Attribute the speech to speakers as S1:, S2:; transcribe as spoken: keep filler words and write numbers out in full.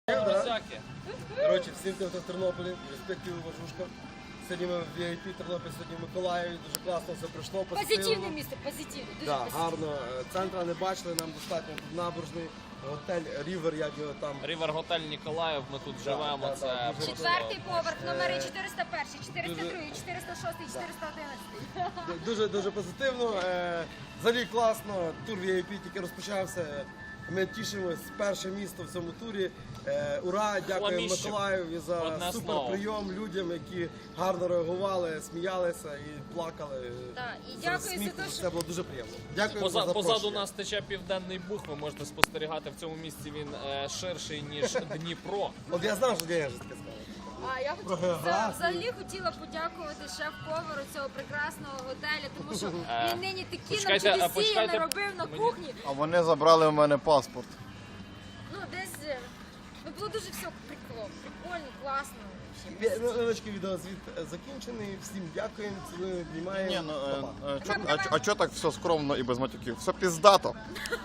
S1: Всяке.
S2: Коротше, всім тим, хто в Тернополі, респективу Важушка. Сьогодні ми в ві ай пі Тернопіль, сьогодні в Миколаєві, дуже класно все пройшло, позитивно.
S3: Позитивне місце, позитивне, дуже
S2: Да,
S3: позитивне.
S2: гарно. Центра не бачили, нам достатньо тут набережний, готель Рівер, як його там.
S1: Рівер готель Ніколаїв, ми тут
S2: Да,
S1: живемо.
S2: да,
S1: Це
S2: да, дуже
S1: просто-
S3: Четвертий поверх, номери чотириста перший, чотириста другий, чотириста шостий, чотириста одинадцятий.
S2: Дуже дуже позитивно. Е, Взагалі класно. Тур ві ай пі тільки розпочався. Ми тішимось, перше місто в цьому турі. Е, Ура! Дякуємо
S1: Хламіще.
S2: Миколаєві за
S1: Одне
S2: супер
S1: слово.
S2: прийом людям, які гарно реагували, сміялися і плакали.
S3: Так, і
S2: З
S3: дякую за
S2: сміху.
S3: те, що-
S2: Це було дуже приємно. Дякую
S1: Поза,
S2: за запрошення.
S1: позаду нас тече Південний Буг, ви можете спостерігати. В цьому місці він е, ширший, ніж Дніпро.
S2: От я знав, що я ж таке сказав.
S3: А я
S2: Про
S3: хотіла
S2: географію.
S3: взагалі хотіла подякувати шеф-повару цього прекрасного готелю, тому що
S1: Е,
S3: він нині такі нам
S1: почекайте, а
S3: чудесі
S1: почекайте,
S3: наробив на
S1: мені-
S3: кухні.
S4: А вони забрали в мене паспорт.
S3: Ну десь е, ну було дуже все прикольно, прикольно, класно.
S2: Ві- Невеличкий відеозвіт е, закінчений. Всім дякуємо, цілуємо, обнімаємо.
S4: Ні, ну, е,
S2: Па-па.
S4: е, чо- а, чо- а чого так все скромно і без матюків? Все піздато.